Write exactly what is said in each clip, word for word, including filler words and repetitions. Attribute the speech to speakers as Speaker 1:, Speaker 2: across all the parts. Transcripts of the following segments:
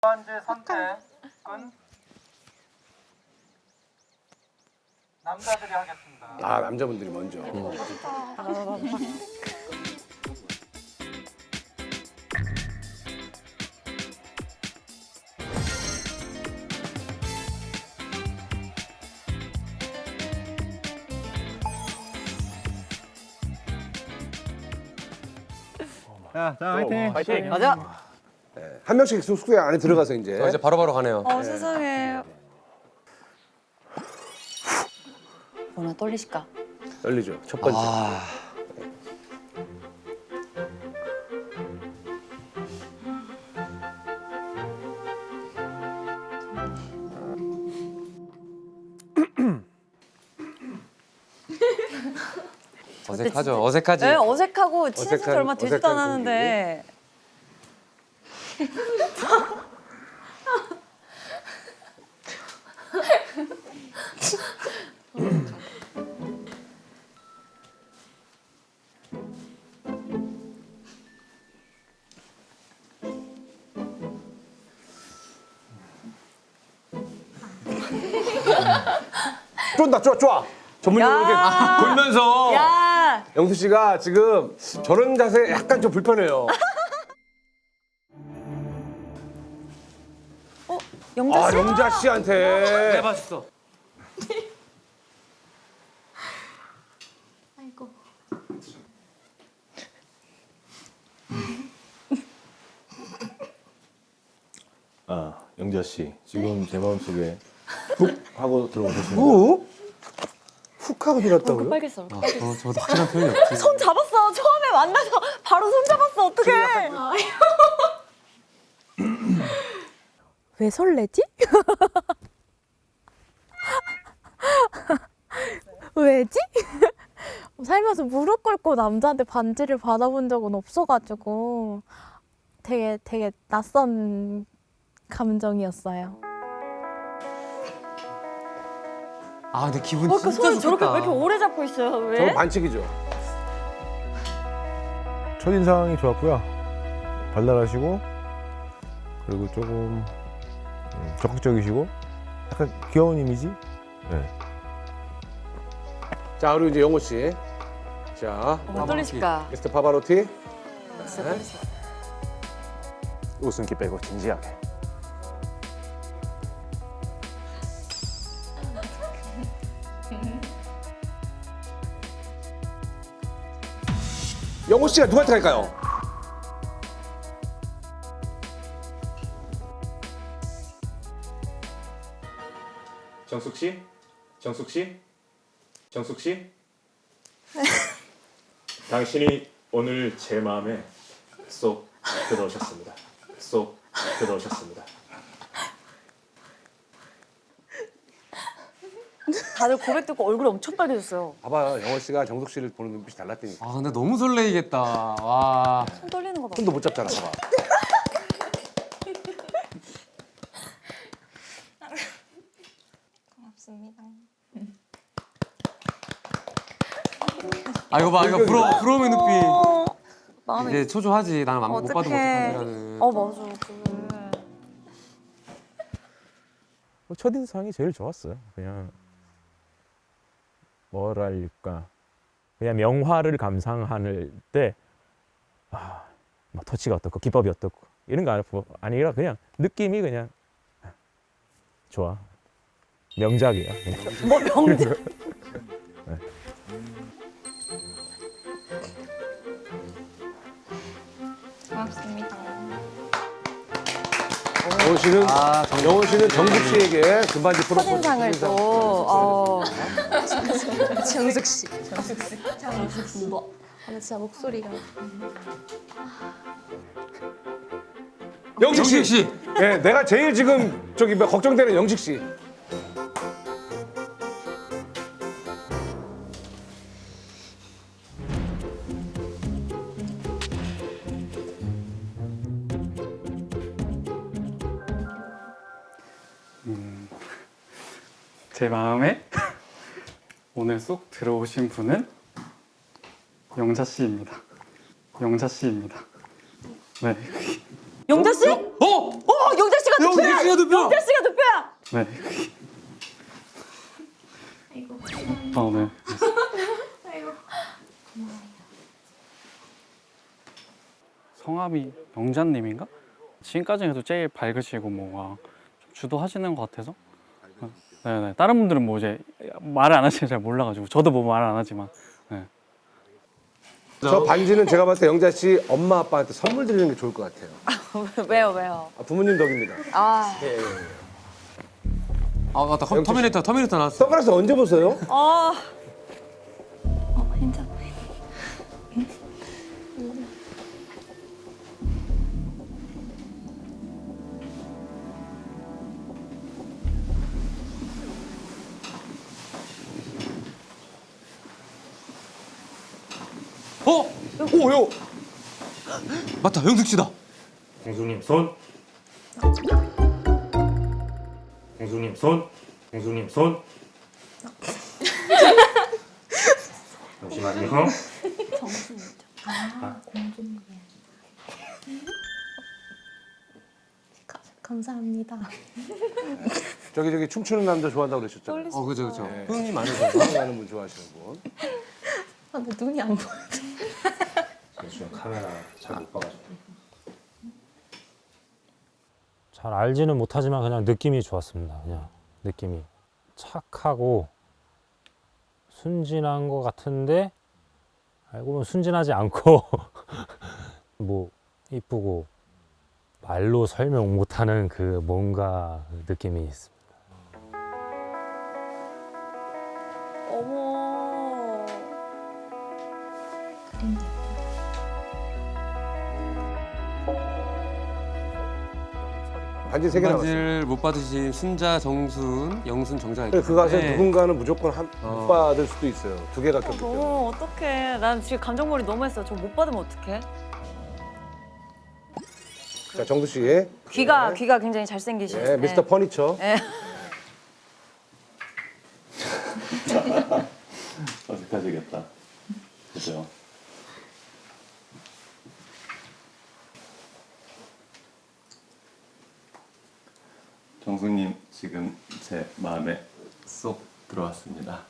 Speaker 1: 번째 선택은 남자들이 하겠습니다.
Speaker 2: 아 남자분들이 먼저.
Speaker 3: 자, 자, 화이팅.
Speaker 2: 파이팅.
Speaker 4: 맞아.
Speaker 2: 한 명씩 숙소에 안에 들어가서 이제.
Speaker 5: 저 이제 바로바로 가네요.
Speaker 4: 어 세상에. 얼마나 떨리실까?
Speaker 2: 열리죠. 첫 번째.
Speaker 5: 아, 어색하죠. 어색하지.
Speaker 4: 네, 어색하고 친해진 지
Speaker 2: 어색한-
Speaker 4: 얼마 되지도
Speaker 2: 어색한
Speaker 4: 않았는데.
Speaker 2: 쫀다, 좋아, 좋아. 전문용어로 이렇게
Speaker 4: 야.
Speaker 2: 돌면서.
Speaker 4: 야,
Speaker 2: 영수 씨가 지금 저런 자세 약간 좀 불편해요.
Speaker 4: 영자
Speaker 2: 아
Speaker 4: 씨.
Speaker 2: 영자 씨한테.
Speaker 5: 해봤어.
Speaker 3: 아, 영자 씨, 지금 제 마음속에 훅 하고 들어오셨습니다.
Speaker 2: 후? 훅 하고 들었다고요?
Speaker 4: 빨겠어.
Speaker 5: 저, 저도 확실한 표현이 없지.
Speaker 4: 손 잡았어. 처음에 만나서 바로 손 잡았어. 어떡해.
Speaker 6: 왜 설레지? 왜지? 살면서 무릎 꿇고 남자한테 반지를 받아본 적은 없어가지고 되게 되게 낯선 감정이었어요.
Speaker 5: 아, 근데 기분
Speaker 4: 왜
Speaker 5: 진짜
Speaker 4: 이렇게 손을 저렇게
Speaker 5: 좋겠다.
Speaker 4: 왜 이렇게 오래 잡고 있어요? 왜?
Speaker 2: 저거 반칙이죠.
Speaker 3: 첫인상이 좋았고요. 발랄하시고 그리고 조금 음, 적극적이시고 약간 귀여운 이미지? 네.
Speaker 2: 자 그리고 이제 영호 씨. 자
Speaker 4: 어, 떨리실까?
Speaker 2: 미스터 파바로티.
Speaker 4: 진짜 떨리실까?
Speaker 3: 웃음기 빼고 진지하게.
Speaker 2: 영호 씨가 누구한테 갈까요?
Speaker 7: 정숙 씨? 정숙 씨? 정숙 씨? 당신이 오늘 제 마음에 쏙 들어오셨습니다. 쏙 들어오셨습니다.
Speaker 4: 다들 고백 듣고 얼굴이 엄청 빨개졌어요.
Speaker 2: 봐봐요 영호 씨가 정숙 씨를 보는 눈빛이 달랐다니까.
Speaker 5: 아, 근데 너무 설레이겠다. 와.
Speaker 4: 손 떨리는 거 봐.
Speaker 2: 손도 못 잡잖아. 봐봐.
Speaker 6: 고맙습니다.
Speaker 5: 아, 이거 봐. 이거 부러, 부러움의 눈빛.
Speaker 4: 어, 마음이.
Speaker 5: 이제 초조하지. 나는 못 봐도
Speaker 4: 어떡해.
Speaker 5: 못하는.
Speaker 4: 어 맞아. 그래.
Speaker 3: 뭐 첫인상이 제일 좋았어요. 그냥 뭐랄까 그냥 명화를 감상할 때 아, 뭐 터치가 어떻고 기법이 어떻고 이런 거 아니고 아니라 그냥 느낌이 그냥 좋아. 명작이야. 그냥.
Speaker 4: 뭐 명작.
Speaker 6: 고맙습니다.
Speaker 2: 영호 씨는
Speaker 5: 아, 정말.
Speaker 2: 영호 씨는 정숙 씨에게 금반지 프로포즈.
Speaker 4: 첫인상을 또. 어.
Speaker 6: 정숙 씨. 정숙 씨. 정숙 씨. 뭐? 아, 진짜 목소리가.
Speaker 2: 영식 씨.
Speaker 5: 영식 씨.
Speaker 2: 예, 내가 제일 지금 저기 뭐 걱정되는 영식 씨.
Speaker 8: 제 마음에 오늘 쏙 들어오신 분은 영자 씨입니다. 영자 씨입니다. 네.
Speaker 4: 영자 씨?
Speaker 5: 어?
Speaker 4: 어, 영자 씨가
Speaker 5: 씨가 두 표.
Speaker 4: 영자 씨가 두 표야.
Speaker 8: 네. 아, 네. 성함이 영자님인가? 지금까지 해도 제일 밝으시고 뭐가 좀 주도하시는 것 같아서. 네네. 다른 분들은 뭐 이제 말을 안 하시는 잘 몰라가지고 저도 뭐 말 안 하지만. 네.
Speaker 2: 저 반지는 제가 봤을 때 영자 씨 엄마 아빠한테 선물 드리는 게 좋을 것 같아요.
Speaker 4: 왜요 왜요?
Speaker 2: 아, 부모님 덕입니다.
Speaker 4: 아,
Speaker 2: 예, 예.
Speaker 5: 아 맞다. 컴- 터미네이터 터미네이터 나왔어.
Speaker 2: 선글라스 언제 보세요?
Speaker 4: 아,
Speaker 6: 어, 괜찮아.
Speaker 5: 어?
Speaker 2: 오요.
Speaker 5: 맞다. 영숙 씨다.
Speaker 7: 공수님 손. 공수님 손. 공수님 손. 잠시만요.
Speaker 6: 감사합니다.
Speaker 2: 저기 저기 춤추는 남자 좋아한다고 그러셨잖아요.
Speaker 5: 어 그죠 그죠.
Speaker 2: 네.
Speaker 5: 흥이 많으셔.
Speaker 2: 좋아하는 분 좋아하시는 분.
Speaker 6: 아, 근데 눈이 안 보여.
Speaker 7: 잠시만 카메라 잘 못 봐가지고.
Speaker 9: 잘 알지는 못하지만 그냥 느낌이 좋았습니다. 그냥 느낌이 착하고 순진한 것 같은데 알고 보면 순진하지 않고 뭐 이쁘고 말로 설명 못하는 그 뭔가 느낌이 있습니다.
Speaker 4: 어머.
Speaker 2: 반지 세 개 나왔어요.
Speaker 5: 반지를 못 받으신 순자, 정순, 영순, 정자.
Speaker 2: 근데 그 가서
Speaker 5: 네.
Speaker 2: 누군가는 무조건 한,
Speaker 5: 어.
Speaker 2: 못 받을 수도 있어요. 두 개가 꼈기 때문에.
Speaker 4: 너무 어떡해. 난 지금 감정몰이 너무 했어. 저 못 받으면 어떡해?
Speaker 2: 자, 정수 씨.
Speaker 4: 귀가
Speaker 2: 네.
Speaker 4: 귀가 굉장히 잘생기신.
Speaker 2: 네, 미스터 퍼니처.
Speaker 4: 네.
Speaker 7: 어색하시겠다. 그죠? 정수님 지금 제 마음에 쏙 들어왔습니다.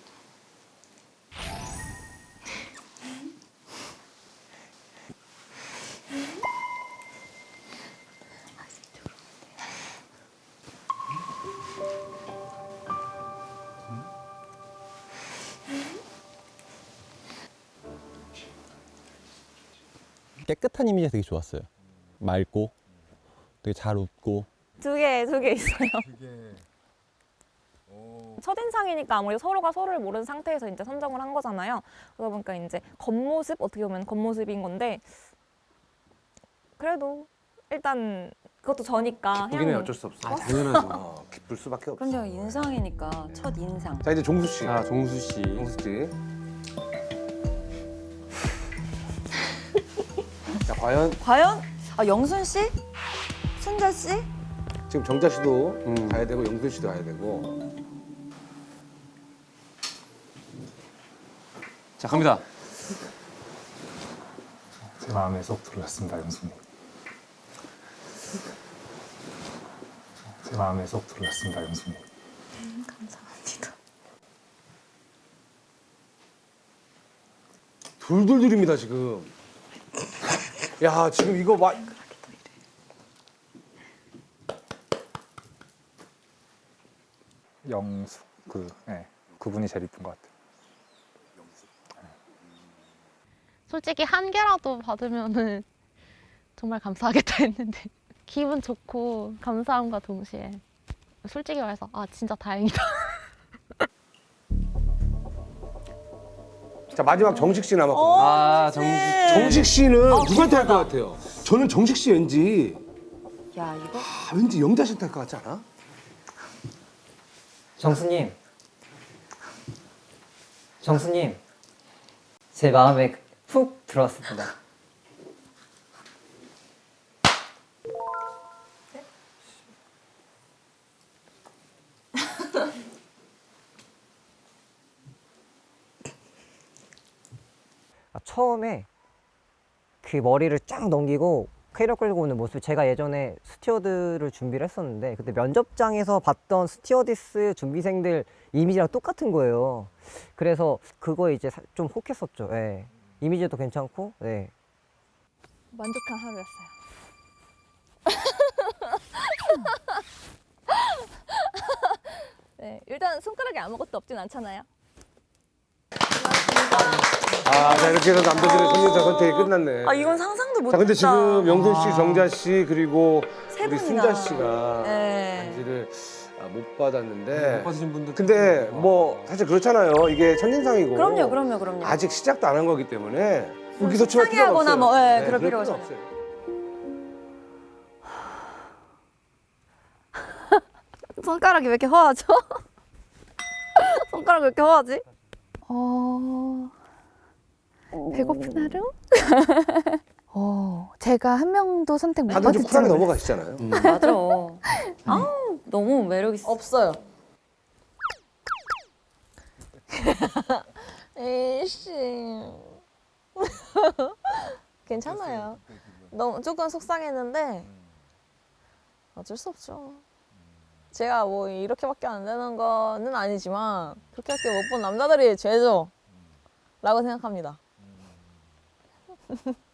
Speaker 10: 깨끗한 이미지가 되게 좋았어요. 맑고 되게 잘 웃고.
Speaker 4: 두 개, 두 개 있어요. 첫인상이니까 아무래도 서로가 서로를 모르는 상태에서 이제 선정을 한 거잖아요. 그러다 보니까 이제 겉모습, 어떻게 보면 겉모습인 건데 그래도 일단 그것도 저니까
Speaker 2: 기쁘긴 해 어쩔 수 없어.
Speaker 5: 아 당연하죠.
Speaker 2: 어, 기쁠 수밖에 없어.
Speaker 4: 그럼요, 인상이니까 첫 인상.
Speaker 2: 자, 이제 종수 씨.
Speaker 5: 자 종수 씨.
Speaker 2: 종수 씨. 자, 과연
Speaker 4: 과연 아, 영순 씨? 순자 씨?
Speaker 2: 지금 정자 씨도
Speaker 5: 음.
Speaker 2: 가야 되고 영순 씨도 가야 되고.
Speaker 5: 자 갑니다.
Speaker 8: 제 마음에 쏙 들어왔습니다, 영수님. 제 마음에 쏙 들어왔습니다, 영수님.
Speaker 6: 음, 감사합니다.
Speaker 2: 둘둘둘입니다 지금. 야, 지금 이거 와.
Speaker 8: 영숙 그 네, 그분이 제일 이쁜 것 같아요.
Speaker 6: 솔직히 한 개라도 받으면은 정말 감사하겠다 했는데 기분 좋고 감사함과 동시에 솔직히 말해서 아 진짜 다행이다.
Speaker 2: 자, 마지막 정식 씨 남았거든요.
Speaker 4: 어,
Speaker 5: 아
Speaker 4: 그치.
Speaker 5: 정수.
Speaker 2: 정식 씨는
Speaker 4: 아,
Speaker 2: 누구한테 할 것
Speaker 4: 궁금하다.
Speaker 2: 같아요? 저는 정식 씨 왠지
Speaker 4: 야, 이거
Speaker 2: 아, 왠지 영자 씨한테 할 것 같지 않아?
Speaker 11: 정수님, 정수님, 제 마음에 푹 들어왔습니다. 아, 처음에 그 머리를 쫙 넘기고 캐리어 끌고 오는 모습, 제가 예전에 스튜어드를 준비를 했었는데 그때 면접장에서 봤던 스튜어디스 준비생들 이미지랑 똑같은 거예요. 그래서 그거에 이제 사- 좀 혹했었죠. 예. 이미지도 괜찮고. 네.
Speaker 4: 만족한 하루였어요. 네, 일단 손가락에 아무것도 없진 않잖아요.
Speaker 2: 아, 자 이렇게 해서 남자들의 손님사 선택이 끝났네.
Speaker 4: 아 이건 상상도 못했다.
Speaker 2: 자 근데 지금 영돈 씨, 정자 씨 그리고
Speaker 4: 세
Speaker 2: 우리
Speaker 4: 분이나.
Speaker 2: 순자 씨가
Speaker 4: 네.
Speaker 2: 반지를 아, 못 받았는데.
Speaker 5: 못 받으신 분들.
Speaker 2: 근데 뭐 사실 그렇잖아요. 이게 첫인상이고.
Speaker 4: 그럼요, 그럼요, 그럼요.
Speaker 2: 아직 시작도 안 한 거기 때문에 의기소침할 필요가
Speaker 4: 속상해하거나
Speaker 2: 없어요.
Speaker 4: 뭐, 예,
Speaker 2: 네,
Speaker 4: 그럴 필요가
Speaker 2: 필요
Speaker 4: 없어요. 손가락이 왜 이렇게 허하죠? 손가락이 왜 이렇게 허하지?
Speaker 12: 어... 배고픈 하루? 어, 제가 한 명도 선택 못
Speaker 2: 다들 좀
Speaker 12: 받을지
Speaker 2: 쿨하게
Speaker 12: 몰라요.
Speaker 2: 넘어가시잖아요.
Speaker 4: 맞아. 아우 너무 매력 있어. 없어요. 에이씨. 괜찮아요. 너무 조금 속상했는데 어쩔 수 없죠. 제가 뭐 이렇게밖에 안 되는 거는 아니지만 그렇게밖에 못 본 남자들이 죄죠. 라고 생각합니다.